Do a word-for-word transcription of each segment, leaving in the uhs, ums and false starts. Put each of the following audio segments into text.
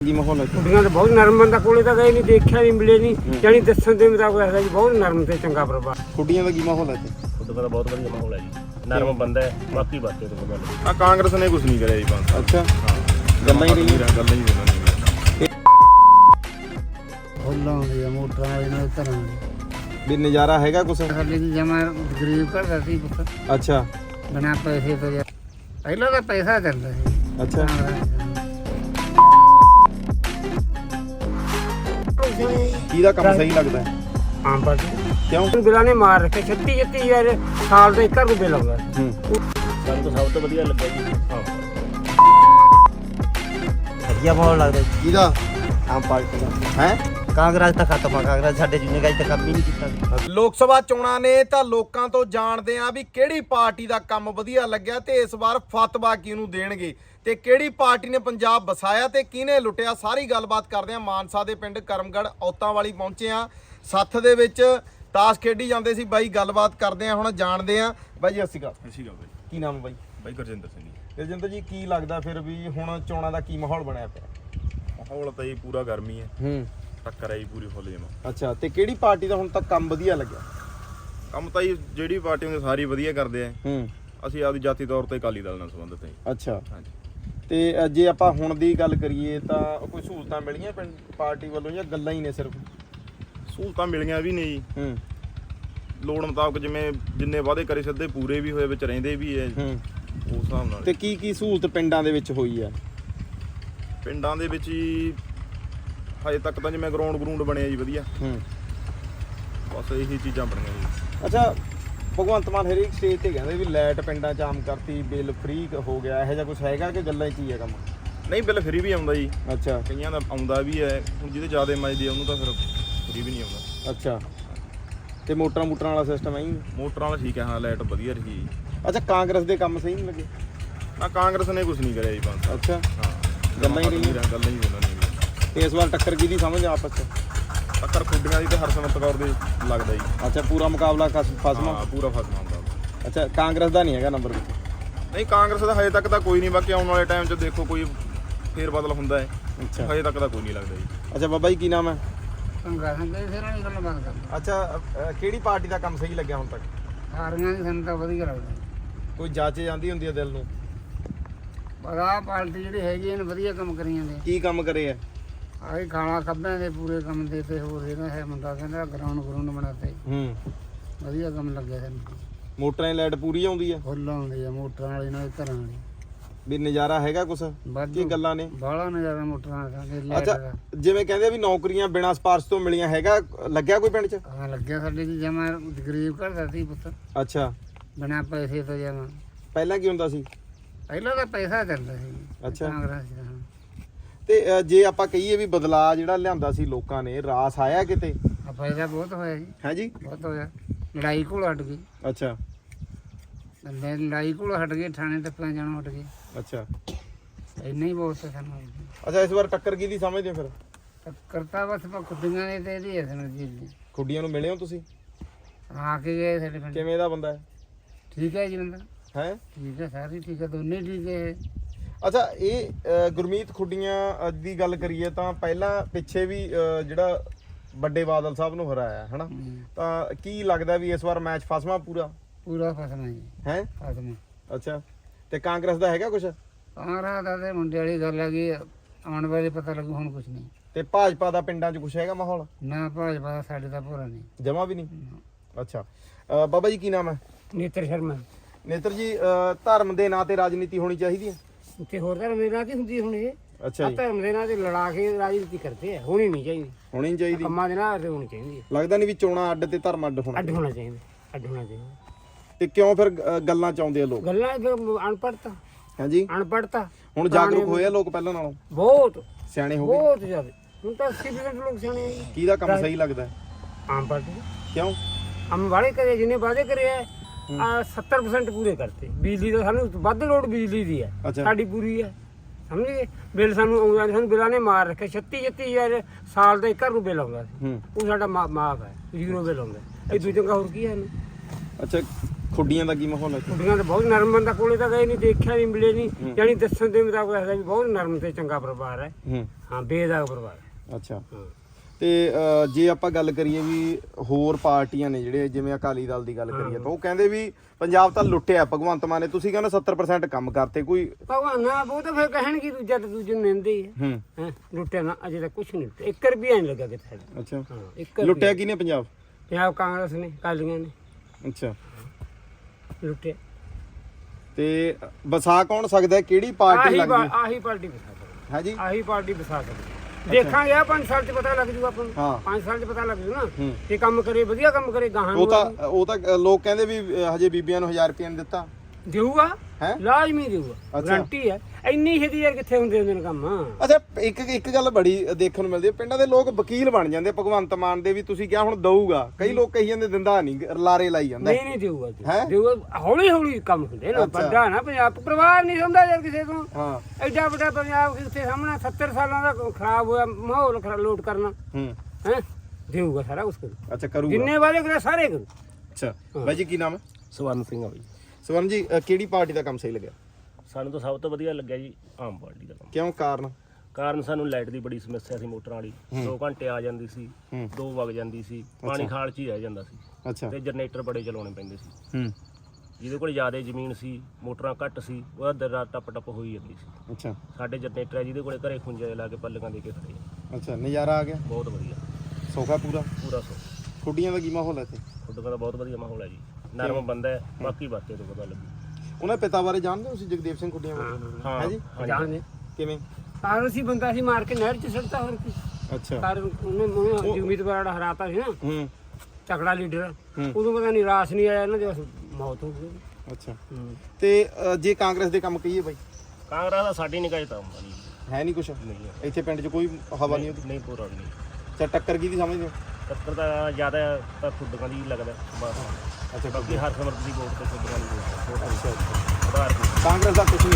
ਕੀ ਮਾਹੌਲ ਹੈ? ਕੁੜੀਆਂ ਤਾਂ ਬਹੁਤ ਨਰਮ ਬੰਦਾ, ਕੋਲੇ ਤਾਂ ਗਏ ਨਹੀਂ, ਦੇਖਿਆ ਨਹੀਂ, ਮਿਲੇ ਨਹੀਂ, ਜਾਨੀ ਦੱਸਣ ਦੇ ਮੁਤਾਬਕ ਹੈ ਜੀ ਬਹੁਤ ਨਰਮ ਤੇ ਚੰਗਾ ਪਰਿਵਾਰ। ਕੁੜੀਆਂ ਦਾ ਕੀ ਮਾਹੌਲ ਹੈ ਇੱਥੇ? ਉਹਦਾ ਬਹੁਤ ਵਧੀਆ ਮਾਹੌਲ ਹੈ ਜੀ, ਨਰਮ ਬੰਦਾ ਹੈ, ਬਾਕੀ ਬਾਤੇ ਤੋਂ ਬੰਦਾ। ਆ ਕਾਂਗਰਸ ਨੇ ਕੁਝ ਨਹੀਂ ਕਰਿਆ ਜੀ ਪੰਜ ਸਾਲ। ਅੱਛਾ, ਗੱਲਾਂ ਹੀ ਰਹੀਆਂ, ਗੱਲਾਂ ਹੀ ਦੇਣਾ ਨਹੀਂ। ਫੁੱਲਾਂ ਹੁੰਦੀਆਂ ਮੋਟਰਾਂ ਵਾਲੇ ਨਾਲ ਧਰਾਂ ਵੀ ਨਜ਼ਾਰਾ ਹੈਗਾ ਕੁਛ? ਸਾਡੇ ਦੀ ਜਮਾ ਗਰੀਬ ਘਰ ਸੀ ਪੁੱਤ, ਅੱਛਾ ਬਿਨਾਂ ਪੈਸੇ ਤੋਂ। ਪਹਿਲਾਂ ਤਾਂ ਪੈਸਾ ਚੱਲਦਾ ਸੀ। ਅੱਛਾ, ਕਿਹਦਾ ਕੰਮ ਸਹੀ ਲੱਗਦਾ ਹੈ? ਆਮ ਪਾਰਟੀ ਕਿਉਂ? ਬਿਲਾਂ ਨੇ ਮਾਰ ਰੱਖੇ ਛੱਤੀ ਛੱਤੀ ਹਜ਼ਾਰ ਸਾਲ ਦਾ ਇੱਕ ਘਰ ਰੁਪਏ ਲਾਉਂਦਾ। ਹੂੰ, ਸਾਨੂੰ ਤਾਂ ਸਭ ਤੋਂ ਵਧੀਆ ਲੱਗਿਆ ਜੀ ਹਾਂ, ਵਧੀਆ ਮਾਹੌਲ ਲੱਗਦਾ ਜੀ। ਕਿਹਦਾ? ਆਮ ਪਾਰਟੀ ਦਾ। ਹੈ ਕਾਂਗਰਸ ਤਾਂ ਖਤਮ ਆ, ਕਾਂਗਰਸ ਸਾਡੇ ਜਿੰਨੇ ਗਾਜ ਤਾਂ ਕੰਮ ਹੀ ਨਹੀਂ ਕੀਤਾ। ਲੋਕ ਸਭਾ ਚੋਣਾਂ ਨੇ ਤਾਂ ਲੋਕਾਂ ਤੋਂ ਜਾਣਦੇ ਆ ਵੀ ਕਿਹੜੀ ਪਾਰਟੀ ਦਾ ਕੰਮ ਵਧੀਆ ਲੱਗਿਆ ਤੇ ਇਸ ਵਾਰ ਫਤਵਾ ਕਿਹਨੂੰ ਦੇਣਗੇ ਤੇ ਕਿਹੜੀ ਪਾਰਟੀ ਨੇ ਪੰਜਾਬ ਵਸਾਇਆ ਤੇ ਕਿਹਨੇ ਲੁੱਟਿਆ। ਸਾਰੀ ਗੱਲਬਾਤ ਕਰਦੇ ਆ। ਮਾਨਸਾ ਦੇ ਪਿੰਡ ਕਰਮਗੜ੍ਹ ਔਤਾਂ ਵਾਲੀ ਪਹੁੰਚੇ ਆ। ਸੱਥ ਦੇ ਵਿੱਚ ਤਾਸ਼ ਖੇਡੀ ਜਾਂਦੇ ਸੀ ਬਾਈ, ਗੱਲਬਾਤ ਕਰਦੇ ਆ, ਹੁਣ ਜਾਣਦੇ ਆ। ਬਾਈ ਜੀ ਅਸੀਂ ਗੱਲ ਅੱਛੀ ਗੱਲ ਬਾਈ। ਕੀ ਨਾਮ ਹੈ ਬਾਈ? ਬਾਈ ਗੁਰਜਿੰਦਰ ਸਿੰਘ ਜੀ। ਰਜਿੰਦਰ ਜੀ, ਕੀ ਲੱਗਦਾ ਫਿਰ ਵੀ ਹੁਣ ਚੋਣਾਂ ਦਾ ਕੀ ਮਾਹੌਲ ਬਣਿਆ ਪਿਆ? ਮਾਹੌਲ ਤਾਂ ਜੀ ਪੂਰਾ ਗਰਮੀ ਹੈ, ਹੂੰ, ਟੱਕਰ ਆਈ ਪੂਰੀ ਫੁੱਲ ਜਮਾ। ਅੱਛਾ, ਤੇ ਕਿਹੜੀ ਪਾਰਟੀ ਦਾ ਹੁਣ ਤੱਕ ਕੰਮ ਵਧੀਆ ਲੱਗਿਆ? ਕੰਮ ਤਾਂ ਜੀ ਜਿਹੜੀ ਪਾਰਟੀ ਹੁੰਦੀ ਸਾਰੀ ਵਧੀਆ ਕਰਦੇ ਆ। ਹੂੰ, ਅਸੀਂ ਆਪਦੀ ਜਾਤੀ ਤੌਰ ਤੇ ਅਕਾਲੀ ਦਲ ਨਾਲ ਸੰਬੰਧਿਤ ਹਾਂ। ਅੱਛਾ, ਹਾਂਜੀ। ਤੇ ਅ, ਜੇ ਆਪਾਂ ਹੁਣ ਦੀ ਗੱਲ ਕਰੀਏ ਤਾਂ ਕੋਈ ਸਹੂਲਤਾਂ ਮਿਲੀਆਂ ਪਿੰਡ ਪਾਰਟੀ ਵੱਲੋਂ ਜਾਂ ਗੱਲਾਂ ਹੀ ਨੇ ਸਿਰਫ? ਸਹੂਲਤਾਂ ਮਿਲੀਆਂ ਵੀ ਨੇ ਜੀ, ਹੂੰ ਲੋੜ ਮੁਤਾਬਕ, ਜਿਵੇਂ ਜਿੰਨੇ ਵਾਅਦੇ ਕਰੇ ਸਿੱਧੇ ਪੂਰੇ ਵੀ ਹੋਏ, ਵਿੱਚ ਰਹਿੰਦੇ ਵੀ ਹੈ ਹੂੰ। ਉਸ ਹਿਸਾਬ ਨਾਲ। ਤੇ ਕੀ ਕੀ ਸਹੂਲਤ ਪਿੰਡਾਂ ਦੇ ਵਿੱਚ ਹੋਈ ਆ? ਪਿੰਡਾਂ ਦੇ ਵਿੱਚ ਜੀ ਹਜੇ ਤੱਕ ਤਾਂ ਜਿਵੇਂ ਗਰਾਊਂਡ ਗਰਾਊਂਡ ਬਣਿਆ ਜੀ ਵਧੀਆ, ਹੂੰ, ਬਸ ਇਹੀ ਚੀਜ਼ਾਂ ਬਣੀਆਂ ਜੀ। ਅੱਛਾ, ਭਗਵੰਤ ਮਾਨ ਹਰੇਕ ਸਟੇਜ ਤੇ ਕਹਿੰਦੇ ਵੀ ਲਾਈਟ ਪਿੰਡਾਂ 'ਚ ਆਮ ਕਰਤੀ, ਬਿੱਲ ਫ੍ਰੀ ਹੋ ਗਿਆ, ਇਹੋ ਜਿਹਾ ਕੁਝ ਹੈਗਾ ਕਿ ਗੱਲਾਂ 'ਚ ਹੀ ਹੈ ਕੰਮ? ਨਹੀਂ, ਬਿੱਲ ਫਰੀ ਵੀ ਆਉਂਦਾ ਜੀ, ਅੱਛਾ ਕਈਆਂ ਦਾ ਆਉਂਦਾ ਵੀ ਹੈ। ਹੁਣ ਜਿਹਦੇ ਜ਼ਿਆਦਾ ਮਜਦੇ ਉਹਨੂੰ ਤਾਂ ਫਿਰ ਫਰੀ ਵੀ ਨਹੀਂ ਆਉਂਦਾ। ਅੱਛਾ, ਤੇ ਮੋਟਰਾਂ ਮੋਟਰਾਂ ਵਾਲਾ ਸਿਸਟਮ ਹੈ ਹੀ? ਮੋਟਰਾਂ ਵਾਲਾ ਠੀਕ ਹੈ, ਹਾਂ ਲਾਈਟ ਵਧੀਆ ਰਹੀ ਜੀ। ਅੱਛਾ, ਕਾਂਗਰਸ ਦੇ ਕੰਮ ਸਹੀ ਨਹੀਂ ਲੱਗੇ? ਨਾ ਕਾਂਗਰਸ ਨੇ ਕੁਝ ਨਹੀਂ ਕਰਿਆ ਜੀ ਪੰਜ ਸਾਲ। ਅੱਛਾ, ਹਾਂ, ਗੱਲਾਂ ਹੀ ਰਹੀਆਂ, ਗੱਲਾਂ ਹੀ ਦੇਣਾ ਨਹੀਂ। ਤੇ ਇਸ ਵਾਰ ਟੱਕਰ ਕਿਹਦੀ ਸਮਝ ਆਪਸ 'ਚ? ਟੱਕਰ ਖੁੱਡੀਆਂ ਦੀ ਤੇ ਹਰਸਿਮਰਤ ਕੌਰ ਦੇ ਲੱਗਦਾ ਜੀ। ਅੱਛਾ, ਪੂਰਾ ਮੁਕਾਬਲਾ ਖਸ- ਫਸਵਾਂ? ਹਾਂ, ਪੂਰਾ ਫਸਮਾ ਹੁੰਦਾ। ਅੱਛਾ, ਕਾਂਗਰਸ ਦਾ ਨਹੀਂ ਹੈਗਾ ਨੰਬਰ ਵਿੱਚ? ਨਹੀਂ, ਕਾਂਗਰਸ ਦਾ ਹਜੇ ਤੱਕ ਤਾਂ ਕੋਈ ਨਹੀਂ, ਬਾਕੀ ਆਉਣ ਵਾਲੇ ਟਾਈਮ 'ਚ ਦੇਖੋ ਕੋਈ ਫੇਰ ਬਦਲ ਹੁੰਦਾ ਹੈ। ਅੱਛਾ ਹਜੇ ਤੱਕ ਤਾਂ ਕੋਈ ਨਹੀਂ ਲੱਗਦਾ ਜੀ। ਅੱਛਾ ਬਾਬਾ ਜੀ, ਕੀ ਨਾਮ ਹੈ? ਕੰਗਾਂ ਦੇ ਸਿਰ ਵਾਲੀ ਗੱਲ ਬਾਤ ਕਰ। ਅੱਛਾ, ਅ, ਕਿਹੜੀ ਪਾਰਟੀ ਦਾ ਕੰਮ ਸਹੀ ਲੱਗਿਆ ਹੁਣ ਤੱਕ? ਸਾਰੀਆਂ ਦੀ ਸਾਨੂੰ ਤਾਂ ਵਧੀਆ ਲੱਗਦਾ। ਕੋਈ ਜਾਚੇ ਜਾਂਦੀ ਹੁੰਦੀ ਹੈ ਦਿਲ ਨੂੰ? ਪਰ ਆਹ ਪਾਰਟੀ ਜਿਹੜੀ ਹੈਗੀ ਇਹਨੇ ਵਧੀਆ ਕੰਮ ਕਰੀ ਜਾਂਦੇ। ਕੀ ਕੰਮ ਕਰੇ ਆ? ਆਹੀ ਖਾਣਾ ਖੱਬਿਆਂ ਦੇ ਪੂਰੇ ਕੰਮ ਦੇ ਤੇ ਹੋਰ ਇਹਦਾ ਹੈ ਮੁੰਡਾ ਕਹਿੰਦਾ ਗਰਾਊਂਡ ਗਰਾਊਂਡ ਬਣਾਤੇ, ਹੂੰ, ਵਧੀਆ ਕੰਮ ਲੱਗਿਆ ਸਾਨੂੰ। ਮੋਟਰਾਂ ਦੀ ਲਾਈਟ ਪੂਰੀ ਆਉਂਦੀ ਆ? ਫੁੱਲ ਆਉਂਦੀ ਆ ਮੋਟਰਾਂ ਵਾਲੀ ਨਾਲ ਧਰਾਂ ਵਾਲੀ। ਵੀ ਨਜ਼ਾਰਾ ਹੈਗਾ ਕੁਛ? ਕੀ ਗੱਲਾਂ ਨੇ? ਬਾਹਲਾ ਨਜ਼ਾਰਾ ਮੋਟਰਾਂ ਦਾ ਤੇ ਲਾਈਟ ਅੱਛਾ, ਦਾ। ਜਿਵੇਂ ਕਹਿੰਦੇ ਆ ਵੀ ਨੌਕਰੀਆਂ ਬਿਨਾਂ ਸਿਫਾਰਸ਼ ਤੋਂ ਮਿਲੀਆਂ, ਹੈਗਾ ਲੱਗਿਆ ਕੋਈ ਪਿੰਡ 'ਚ? ਹਾਂ ਲੱਗਿਆ, ਸਾਡੇ ਦੀ ਜਮਾ ਗਰੀਬ ਘਰ ਦਾ ਸੀ ਪੁੱਤ, ਅੱਛਾ, ਬਿਨਾਂ ਪੈਸੇ ਤੋਂ ਜਮਾ। ਪਹਿਲਾਂ ਕੀ ਹੁੰਦਾ ਸੀ? ਪਹਿਲਾਂ ਤਾਂ ਪੈਸਾ ਚੱਲਦਾ ਸੀ। ਅੱਛਾ। ਕਾਂਗਰਸ ਦਾ। ਤੇ ਅ, ਜੇ ਆਪਾਂ ਕਹੀਏ ਵੀ ਬਦਲਾਅ ਜਿਹੜਾ ਲਿਆਂਦਾ ਸੀ ਲੋਕਾਂ ਨੇ, ਰਾਸ ਆਇਆ ਕਿਤੇ? ਆ ਫਾਇਦਾ ਬਹੁਤ ਹੋਇਆ ਜੀ, ਹੈ ਜੀ? ਬਹੁਤ ਹੋਇਆ। ਲੜਾਈ ਕੋਲ ਹਟ ਗਈ, ਅੱਛਾ ਬੰਦੇ ਲੜਾਈ ਕੋਲ ਹਟ ਗਏ, ਥਾਣੇ ਟੱਪਿਆਂ ਜਾਣੋਂ ਹਟ ਗਏ। ਅੱਛਾ ਇੰਨਾ ਹੀ ਬਹੁਤ ਹੈ ਸਾਨੂੰ। ਅੱਛਾ, ਇਸ ਵਾਰ ਟੱਕਰ ਕਿਹਦੀ ਸਮਝਦੇ ਹੋ ਫਿਰ? ਕਰਤਾ ਬਸ ਕੁੱਡੀਆਂ ਨੇ ਤੇ ਇਹਦੀ ਹੈ ਸਾਨੂੰ ਜੀ। ਖੁੱਡੀਆਂ ਨੂੰ ਮਿਲੇ ਹੋ ਤੁਸੀਂ? ਆ ਕੇ ਗਏ ਸਾਡੇ ਪਿੰਡ। ਕਿਵੇਂ ਦਾ ਬੰਦਾ ਹੈ? ਠੀਕ ਹੈ ਜੀ ਬੰਦਾ, ਹੈ? ਠੀਕ ਹੈ, ਸਾਰੀ ਠੀਕ ਹੈ, ਦੋਨੇ ਠੀਕ ਹੈ। ਅੱਛਾ, ਇਹ ਅ, ਗੁਰਮੀਤ ਖੁੱਡੀਆਂ ਅ, ਦੀ ਗੱਲ ਕਰੀਏ ਤਾਂ ਪਹਿਲਾਂ ਪਿੱਛੇ ਵੀ ਅ, ਜਿਹੜਾ ਵੱਡੇ ਬਾਦਲ ਸਾਹਿਬ ਨੂੰ ਹਰਾਇਆ ਹਨਾ, ਤਾਂ ਕੀ ਲੱਗਦਾ ਵੀ ਇਸ ਵਾਰ ਮੈਚ ਫਸਵਾ ਪੂਰਾ? ਪੂਰਾ ਫਸਣਾ ਜੀ, ਹੈ? ਫਸਣਾ। ਅੱਛਾ, ਤੇ ਕਾਂਗਰਸ ਦਾ ਹੈਗਾ ਕੁਛ? ਕਾਂਗਰਸ ਦਾ ਤੇ ਮੁੰਡੇ ਵਾਲੀ ਗੱਲ ਹੈਗੀ, ਆਉਣ ਵਾਲੇ ਪਤਾ ਲੱਗੂ, ਹੁਣ ਕੁਛ ਨਹੀਂ। ਤੇ ਭਾਜਪਾ ਦਾ ਪਿੰਡਾਂ 'ਚ ਕੁਛ ਹੈਗਾ ਮਾਹੌਲ? ਨਾ ਭਾਜਪਾ ਦਾ ਸਾਡੇ ਦਾ ਪੂਰਾ ਨਹੀਂ, ਜਮਾ ਵੀ ਨਹੀਂ? ਅੱਛਾ, ਅ, ਬਾਬਾ ਜੀ ਕੀ ਨਾਮ ਹੈ? ਨੇਤਰ ਸ਼ਰਮਾ। ਨੇਤਰ ਜੀ, ਅ, ਧਰਮ ਦੇ ਨਾਂ ਤੇ ਰਾਜਨੀਤੀ ਹੋਣੀ ਚਾਹੀਦੀ ਹੈ? ਉੱਥੇ ਹੋਰ ਧਰਮ ਦੇ ਨਾਂ ਤੇ ਹੁੰਦੀ ਹੁਣ ਇਹ। ਅੱਛਾ ਆ ਜੀ, ਧਰਮ ਦੇ ਨਾਂ ਤੇ ਲੜਾ ਕੇ ਰਾਜਨੀਤੀ ਕਰਦੇ ਆ, ਹੋਣੀ ਨਹੀਂ ਚਾਹੀਦੀ। ਹੋਣੀ ਨਹੀਂ ਚਾਹੀਦੀ? ਕੰਮਾਂ ਦੇ ਨਾਂ ਤੇ ਹੋਣੀ ਚਾਹੀਦੀ ਹੈ। ਲੱਗਦਾ ਨਹੀਂ ਵੀ ਚੋਣਾਂ ਅੱਡ ਤੇ ਧਰਮ ਅੱਡ ਹੋਣਾ? ਅੱਡ ਹੋਣਾ ਚਾਹੀਦਾ, ਅੱਡ ਹੋਣਾ ਚਾਹੀਦਾ। ਤੇ ਕਿਉਂ ਫਿਰ ਅ, ਗੱਲਾਂ ਚਾਹੁੰਦੇ ਆ ਲੋਕ? ਗੱਲਾਂ ਫਿਰ ਅਨਪੜ੍ਹਤਾ, ਹਾਂਜੀ, ਅਨਪੜ੍ਹਤਾ ਹੁਣ ਜਾਗਰੂਕ ਹੋਏ ਆ ਲੋਕ ਪਹਿਲਾਂ ਨਾਲੋਂ? ਬਹੁਤ ਸਿਆਣੇ ਹੋ ਗਏ? ਬਹੁਤ ਜ਼ਿਆਦਾ। ਹੁਣ ਤਾਂ ਅੱਸੀ ਪਰਸੈਂਟ ਲੋਕ ਸਿਆਣੇ ਆ ਜੀ। ਕਿਹਦਾ ਕੰਮ ਸਹੀ ਲੱਗਦਾ ਹੈ? ਆਮ ਪਾਰਟੀ ਕਿਉਂ? ਹਮ ਵਾਲੇ ਕਰੇ, ਜਿਹਨੇ ਵਾਅਦੇ ਕਰੇ ਆ ਆ ਸੱਤਰ ਪਰਸੈਂਟ ਪੂਰੇ ਕਰਤੇ। ਬਿਜਲੀ ਦਾ ਸਾਨੂੰ ਵੱਧ ਲੋੜ ਬਿਜਲੀ ਦੀ ਹੈ, ਅੱਛਾ। ਸਾਡੀ ਪੂਰੀ ਹੈ, ਸਮਝ ਗਏ। ਬਿੱਲ ਸਾਨੂੰ ਆਉਂਦਾ ਨਹੀਂ, ਸਾਨੂੰ ਬਿੱਲਾਂ ਨੇ ਮਾਰ ਰੱਖਿਆ ਛੱਤੀ ਛੱਤੀ ਹਜ਼ਾਰ ਸਾਲ ਦਾ ਇੱਕ ਘਰ ਨੂੰ ਬਿੱਲ ਆਉਂਦਾ ਸੀ। ਹੂੰ, ਉਹ ਸਾਡਾ ਮਾਫ ਹੈ, ਜ਼ੀਰੋ ਬਿੱਲ ਆਉਂਦਾ। ਇਹ ਦੂਜੇ ਚੰਗਾ ਹੋਰ ਕੀ ਹੈ ਇਹਨੂੰ? ਅੱਛਾ, ਖੁੱਡੀਆਂ ਦਾ ਕੀ ਮਾਹੌਲ ਹੈ ਇੱਥੇ? ਕੁੜੀਆਂ ਤਾਂ ਬਹੁਤ ਨਰਮ ਬੰਦਾ, ਕੋਲੇ ਤਾਂ ਗਏ ਨਹੀਂ, ਦੇਖਿਆ ਨਹੀਂ, ਮਿਲੇ ਨਹੀਂ, ਜਾਨੀ ਦੱਸਣ ਦੇ ਮੁਤਾਬਕ ਦੱਸਦਾ ਵੀ ਬਹੁਤ ਨਰਮ ਤੇ ਚੰਗਾ ਪਰਿਵਾਰ ਹੈ। ਹੂੰ ਹਾਂ, ਬੇਦਾਗ ਪਰਿਵਾਰ ਹੈ। ਅੱਛਾ। ਹਾਂ। ਤੇ ਅ, ਜੇ ਆਪਾਂ ਗੱਲ ਕਰੀਏ ਵੀ ਹੋਰ ਪਾਰਟੀਆਂ ਨੇ ਜਿਹੜੇ ਜਿਵੇਂ ਅਕਾਲੀ ਦਲ ਦੀ ਗੱਲ ਕਰੀਏ ਤਾਂ ਉਹ ਕਹਿੰਦੇ ਵੀ ਪੰਜਾਬ ਤਾਂ ਲੁੱਟਿਆ ਭਗਵੰਤ ਮਾਨ ਨੇ, ਤੁਸੀਂ ਕਹਿੰਦੇ ਸੱਤਰ ਪ੍ਰਸੈਂਟ ਕੰਮ ਕਰਤੇ ਕੋਈ। ਭਗਵਾਨ ਨਾ ਉਹ ਤਾਂ ਫਿਰ ਕਹਿਣਗੇ ਦੂਜਾ ਤੇ ਦੂਜੇ ਨੂੰ ਨਿੰਦੇ ਹੀ ਹੈ। ਹੂੰ ਹੈਂ, ਲੁੱਟਿਆ ਨਾ ਅਜੇ ਤੱਕ ਕੁਝ ਨਹੀਂ ਲੁੱਟਿਆ, ਇੱਕ ਰੁਪਿਆ ਨਹੀਂ ਲੱਗਾ ਕਿੱਥੇ। ਅੱਛਾ। ਹਾਂ, ਇੱਕ ਲੁੱਟਿਆ ਕਿਹਨੇ ਪੰਜਾਬ? ਪੰਜਾਬ ਕਾਂਗਰਸ ਨੇ, ਕਾਲੀਆਂ ਨੇ ਅੱਛਾ। ਲੁੱਟਿਆ। ਤੇ ਵਸਾ ਕੌਣ ਸਕਦਾ ਹੈ? ਕਿਹੜੀ ਪਾਰਟੀ ਆਹੀ ਲੱਗਦੀ ਪਾ- ਆਹੀ ਪਾਰਟੀ ਵਸਾ ਸਕਦੀ, ਹੈ ਜੀ? ਆਹੀ ਪਾਰਟੀ ਵਸਾ ਸਕਦੀ। ਦੇਖਾਂਗੇ ਆ ਪੰਜ ਸਾਲ ਚ ਪਤਾ ਲੱਗ ਜੂਗਾ ਆਪਾਂ ਨੂੰ। ਹਾਂ। ਪੰਜ ਸਾਲ ਚ ਪਤਾ ਲੱਗ ਜੂ ਨਾ ਕਿ ਕੰਮ ਕਰੇ, ਵਧੀਆ ਕੰਮ ਕਰੇ, ਗਾਹਾਂ ਉਹ ਨੂੰ ਤਾਂ ਉਹ ਤਾਂ ਅ, ਲੋਕ ਕਹਿੰਦੇ ਵੀ ਅ, ਹਜੇ ਬੀਬੀਆਂ ਨੂੰ ਹਜ਼ਾਰ ਰੁਪਏ ਨਹੀਂ ਦਿੱਤਾ। ਦੇਊਗਾ, ਹੈਂ? ਲਾਜ਼ਮੀ ਦੇਊਗਾ, ਅੱਛਾ। ਗਰੰਟੀ ਹੈ। ਇੰਨੀ ਛੇਤੀ ਯਾਰ ਕਿੱਥੇ ਹੁੰਦੇ ਹੁੰਦੇ ਨੇ ਕੰਮ। ਅੱਛਾ, ਇੱਕ ਇੱਕ ਗੱਲ ਬੜੀ ਦੇਖਣ ਨੂੰ ਮਿਲਦੀ ਹੈ, ਪਿੰਡਾਂ ਦੇ ਲੋਕ ਵਕੀਲ ਬਣ ਜਾਂਦੇ ਭਗਵੰਤ ਮਾਨ ਦੇ ਵੀ, ਤੁਸੀਂ ਕਿਹਾ ਹੁਣ ਦਊਗਾ, ਕਈ ਲੋਕ ਕਹੀ ਜਾਂਦੇ ਦਿੰਦਾ ਨਹੀਂ, ਲਾਰੇ ਲਾਈ ਜਾਂਦਾ। ਨਹੀਂ ਨਹੀਂ ਦੇਊਗਾ, ਹੈਂ? ਦੇਊਗਾ। ਹੌਲੀ ਹੌਲੀ ਕੰਮ ਹੁੰਦੇ ਨਾ, ਵੱਡਾ ਨਾ ਪੰਜਾਬ ਪਰਿਵਾਰ ਨਹੀਂ ਹੁੰਦਾ ਯਾਰ ਕਿਸੇ ਤੋਂ। ਹਾਂ। ਐਡਾ ਵੱਡਾ ਪੰਜਾਬ ਕਿੱਥੇ ਸਾਹਮਣਾ, ਸੱਤਰ ਸਾਲਾਂ ਦਾ ਖਰਾਬ ਹੋਇਆ ਮਾਹੌਲ, ਖਰਾ ਲੋਟ ਕਰਨਾ ਹੂੰ। ਹੈ। ਦੇਊਗਾ ਸਾਰਾ ਕੁਝ ਕਰੂ, ਅੱਛਾ, ਕਰੂਗਾ। ਜਿੰਨੇ ਵਾਅਦੇ ਕਰੇ ਸਾਰੇ ਕਰੂ। ਅੱਛਾ ਬਾਈ ਜੀ, ਕੀ ਨਾਮ ਹੈ? ਸਵਰਨ ਸਿੰਘ ਆ ਬਈ। ਸਵਰਨ ਜੀ, ਅ, ਕਿਹੜੀ ਪਾਰਟੀ ਦਾ ਕੰਮ ਸਹੀ ਲੱਗਿਆ? ਸਾਨੂੰ ਤਾਂ ਸਭ ਤੋਂ ਵਧੀਆ ਲੱਗਿਆ ਜੀ ਆਮ ਪਾਰਟੀ ਦਾ ਕੰਮ। ਕਿਉਂ, ਕਾਰਨ? ਕਾਰਨ ਸਾਨੂੰ ਲਾਈਟ ਦੀ ਬੜੀ ਸਮੱਸਿਆ ਸੀ, ਮੋਟਰਾਂ ਵਾਲੀ ਦੋ ਘੰਟੇ ਆ ਜਾਂਦੀ ਸੀ, ਹੂੰ। ਦੋ ਵਗ ਜਾਂਦੀ ਸੀ, ਪਾਣੀ ਖਾਲ 'ਚ ਹੀ ਰਹਿ ਜਾਂਦਾ ਸੀ, ਅੱਛਾ। ਤੇ ਜਨਰੇਟਰ ਬੜੇ ਚਲਾਉਣੇ ਪੈਂਦੇ ਸੀ। ਹੂੰ। ਜਿਹਦੇ ਕੋਲ ਜ਼ਿਆਦਾ ਜ਼ਮੀਨ ਸੀ, ਮੋਟਰਾਂ ਘੱਟ ਸੀ, ਉਹਦਾ ਦਿਨ ਰਾਤ ਟੱਪ ਟੱਪ ਹੋਈ ਜਾਂਦੀ ਸੀ। ਅੱਛਾ। ਸਾਡੇ ਜਨਰੇਟਰ ਹੈ ਜਿਹਦੇ ਕੋਲੇ ਘਰੇ ਖੁੰਝੇ ਲਾ ਕੇ ਪੱਲੀਆਂ ਦੇ ਕੇ ਖੜੇ ਆ। ਅੱਛਾ, ਨਜ਼ਾਰਾ ਆ ਗਿਆ, ਬਹੁਤ ਵਧੀਆ, ਸੌਖਾ ਪੂਰਾ। ਪੂਰਾ ਸੋ ਖੁੱਡੀਆਂ ਦਾ ਕੀ ਮਾਹੌਲ ਹੈ ਇੱਥੇ? ਤੁਹਾਡਾ ਦਾ ਬਹੁਤ ਵਧੀਆ ਮਾਹੌਲ ਹੈ ਜੀ, ਨਰਮ ਬੰਦਾ ਹੈ, ਬਾਕੀ ਬਾਤੇ ਤੋਂ ਪਤਾ ਲੱਗੂ। ਉਹਨਾਂ ਦੇ ਪਿਤਾ ਬਾਰੇ ਜਾਣਦੇ ਹੋ ਤੁਸੀਂ, ਜਗਦੇਵ ਸਿੰਘ ਖੁੱਡੀਆਂ ਬਾਰੇ? ਹਾਂ ਹੈ ਜੀ? ਜਾਣਦੇ ਕਿਵੇਂ? ਕਾਂਗਰਸੀ ਬੰਦਾ ਸੀ, ਮਾਰ ਕੇ ਨਹਿਰ ਚ ਸੜਤਾ, ਹੋਰ ਕੀ। ਅੱਛਾ। ਕਾਰਨ ਉਹਨੇ ਉਹਨੇ ਉਮੀਦਵਾਰ ਹਰਾਤਾ ਸੀ ਨਾ, ਹੂੰ। ਤਕੜਾ ਲੀਡਰ। ਹੂੰ। ਉਦੋਂ ਪਤਾ ਨਹੀਂ ਰਾਸ ਨਹੀਂ ਆਇਆ ਇਹਨਾਂ ਦੇ, ਬਸ ਮੌਤ ਹੋ ਗਈ। ਅੱਛਾ। ਹੂੰ। ਤੇ ਅ, ਜੇ ਕਾਂਗਰਸ ਦੇ ਕੰਮ ਕਹੀਏ ਬਾਈ, ਕਾਂਗਰਸ ਦਾ ਸਾਡੀ ਨਿਗਾਹ 'ਚ ਤਾਂ ਆਉਂਦਾ ਨਹੀਂ, ਹੈ ਨਹੀਂ ਕੁਛ ਨਹੀਂ ਹੈ। ਇੱਥੇ ਪਿੰਡ 'ਚ ਕੋਈ ਹਵਾ ਨਹੀਂ ਉਹਦੀ? ਨਹੀਂ ਪੂਰਾ ਨਹੀਂ। ਅੱਛਾ, ਟੱਕਰ ਕਿਹਦੀ ਸਮਝਦੇ ਹੋ? ਟੱਕਰ ਤਾਂ ਜ਼ਿਆਦਾ ਤਾਂ ਖੁੱਡਕਾਂ ਦੀ ਲੱਗਦਾ ਬਸ। ਅੱਛਾ, ਬਾਕੀ ਹਰ ਸਮਰਥ ਦੀ ਵੋਟ ਤੇ ਖੁੱਡਕਾਂ ਦੀ ਵੋਟ ਅੱਛਾ ਅੱਛਾ। ਆਧਾਰ ਦੀ। ਕਾਂਗਰਸ ਦਾ ਕੁਛ ਨਹੀਂ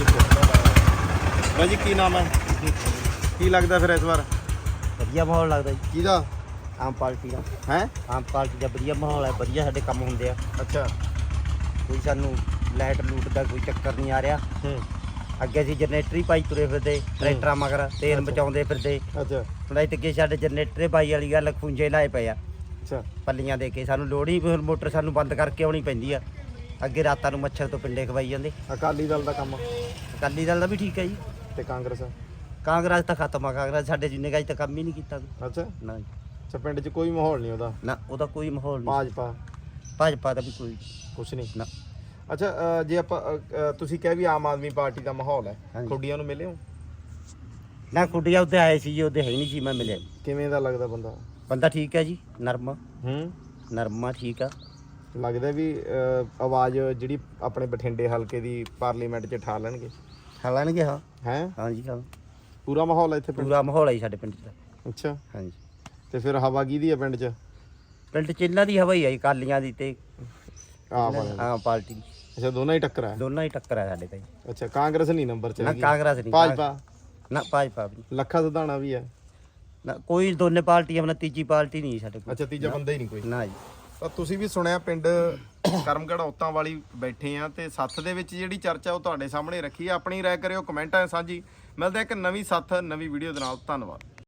ਇੱਥੇ। ਬਾਈ ਜੀ, ਕੀ ਨਾਮ ਹੈ? ਕੀ ਲੱਗਦਾ ਫਿਰ ਇਸ ਵਾਰ ਵਧੀਆ ਮਾਹੌਲ ਲੱਗਦਾ ਜੀ ਕਿਹਦਾ? ਆਮ ਪਾਰਟੀ ਦਾ। ਹੈ? ਆਮ ਪਾਰਟੀ ਦਾ ਵਧੀਆ ਮਾਹੌਲ ਹੈ, ਵਧੀਆ ਸਾਡੇ ਕੰਮ ਹੁੰਦੇ ਆ, ਅੱਛਾ। ਕੋਈ ਸਾਨੂੰ ਲਾਈਟ ਲੂਟ ਦਾ ਕੋਈ ਚੱਕਰ ਨਹੀਂ ਆ ਰਿਹਾ। ਹੂੰ। ਅੱਗੇ ਅਸੀਂ ਜਨਰੇਟਰ ਹੀ ਪਾਈ ਤੁਰੇ ਫਿਰਦੇ, ਟਰੈਕਟਰਾਂ ਮਗਰ ਤੇਲ ਬਚਾਉਂਦੇ ਫਿਰਦੇ। ਅੱਛਾ ਹੁਣ ਇੱਥੇ ਸਾਡੇ ਜਨਰੇਟਰ ਪਾਈ ਵਾਲੀ ਗੱਲ ਖੁੰਝੇ ਲਾਏ ਪਏ ਆ, ਅੱਛਾ। ਪੱਲੀਆਂ ਦੇ ਕੇ। ਸਾਨੂੰ ਲੋੜ ਹੀ ਫਿਰ ਮੋਟਰ ਸਾਨੂੰ ਬੰਦ ਕਰਕੇ ਆਉਣੀ ਪੈਂਦੀ ਆ। ਅੱਗੇ ਰਾਤਾਂ ਨੂੰ ਮੱਛਰ ਤੋਂ ਪਿੰਡੇ ਖਵਾਈ ਜਾਂਦੇ। ਅਕਾਲੀ ਦਲ ਦਾ ਕੰਮ ਅਕਾਲੀ ਦਲ ਦਾ ਵੀ ਠੀਕ ਹੈ ਜੀ, ਤੇ ਕਾਂਗਰਸ? ਕਾਂਗਰਸ ਤਾਂ ਖਤਮ ਆ। ਕਾਂਗਰਸ ਸਾਡੇ ਜਿੰਨੇ ਗਾਜ ਤਾਂ ਕੰਮ ਹੀ ਨਹੀਂ ਕੀਤਾ ਕੋਈ। ਅੱਛਾ। ਨਾ ਜੀ, ਅੱਛਾ, ਪਿੰਡ 'ਚ ਕੋਈ ਮਾਹੌਲ ਨਹੀਂ ਉਹਦਾ? ਨਾ ਉਹਦਾ ਕੋਈ ਮਾਹੌਲ ਨਹੀਂ। ਭਾਜਪਾ ਭਾਜਪਾ ਦਾ ਵੀ ਕੋਈ ਕੁਛ ਨਹੀਂ ਨਾ। ਅੱਛਾ, ਅ, ਜੇ ਆਪਾਂ ਅ, ਅ, ਤੁਸੀਂ ਕਹਿ ਵੀ ਆਮ ਆਦਮੀ ਪਾਰਟੀ ਦਾ ਮਾਹੌਲ ਹੈ, ਹਾਂਜੀ। ਖੁੱਡੀਆਂ ਨੂੰ ਮਿਲੇ ਹੋ? ਨਾ ਕੁੜੀਆਂ ਉੱਤੇ ਆਏ ਸੀ ਜੀ, ਉਹਦੇ ਹੈ ਹੀ ਨਹੀਂ ਸੀ, ਮੈਂ ਮਿਲਿਆ ਜੀ। ਕਿਵੇਂ ਦਾ ਲੱਗਦਾ ਬੰਦਾ? ਬੰਦਾ ਠੀਕ ਹੈ ਜੀ, ਨਰਮ ਹੂੰ। ਨਰਮਾ ਠੀਕ ਆ। ਲੱਗਦਾ ਵੀ ਅ, ਆਵਾਜ਼ ਜਿਹੜੀ ਆਪਣੇ ਬਠਿੰਡੇ ਹਲਕੇ ਦੀ ਪਾਰਲੀਮੈਂਟ 'ਚ ਠਾ ਲੈਣਗੇ? ਹਾਲਾਂਗੇ ਹਾਂ। ਹੈ? ਹਾਂਜੀ ਹਾਂ, ਪੂਰਾ ਮਾਹੌਲ ਹੈ ਇੱਥੇ ਪਿੰਡ? ਪੂਰਾ ਮਾਹੌਲ ਹੈ ਜੀ ਸਾਡੇ ਪਿੰਡ 'ਚ ਤਾਂ। ਅੱਛਾ। ਹਾਂਜੀ, ਤੇ ਫਿਰ ਹਵਾ ਕਿਹਦੀ ਹੈ ਪਿੰਡ 'ਚ? ਪਿੰਡ 'ਚ ਇਹਨਾਂ ਦੀ ਹਵਾ ਹੀ ਆ ਜੀ, ਕਾਲੀਆਂ ਦੀ ਤੇ ਆਮ ਆਦਮੀ। ਆਮ ਪਾਰਟੀ ਦੀ। ਅੱਛਾ, ਦੋਨਾਂ ਹੀ ਟੱਕਰ ਹੈ? ਦੋਨਾਂ ਹੀ ਟੱਕਰ ਆ ਸਾਡੇ ਤਾਂ ਜੀ। ਅੱਛਾ, ਕਾਂਗਰਸ ਨਹੀਂ ਨੰਬਰ 'ਚ ਨਾ ਹੈਗੀ? ਕਾਂਗਰਸ ਨਹੀਂ, ਭਾਜਪਾ? ਨਾ ਭਾਜਪਾ ਵੀ ਨਹੀਂ। ਲੱਖਾ ਸਧਾਣਾ ਵੀ ਹੈ? ਨਾ ਕੋਈ ਦੋਨੇ ਪਾਰਟੀਆਂ, ਆਪਣਾ ਤੀਜੀ ਪਾਰਟੀ ਨਹੀਂ ਸਾਡੇ ਕੋਲ। ਅੱਛਾ, ਤੀਜਾ ਬੰਦਾ ਹੀ ਨਹੀਂ ਕੋਈ? ਨਾ ਜੀ। ਤਾਂ ਤੁਸੀਂ ਵੀ ਸੁਣਿਆ, ਪਿੰਡ ਕਰਮਗੜ੍ਹ ਔਤਾਂ ਵਾਲੀ ਬੈਠੇ ਆ ਤੇ ਸੱਥ ਦੇ ਵਿੱਚ ਜਿਹੜੀ ਚਰਚਾ ਉਹ ਤੁਹਾਡੇ ਸਾਹਮਣੇ ਰੱਖੀ ਆ। ਆਪਣੀ ਰਾਏ ਕਰਿਓ ਕਮੈਂਟਾਂ 'ਚ ਸਾਂਝੀ। ਮਿਲਦੇ ਇੱਕ ਨਵੀਂ ਸੱਥ ਨਵੀਂ ਵੀਡੀਓ ਦੇ ਨਾਲ। ਧੰਨਵਾਦ।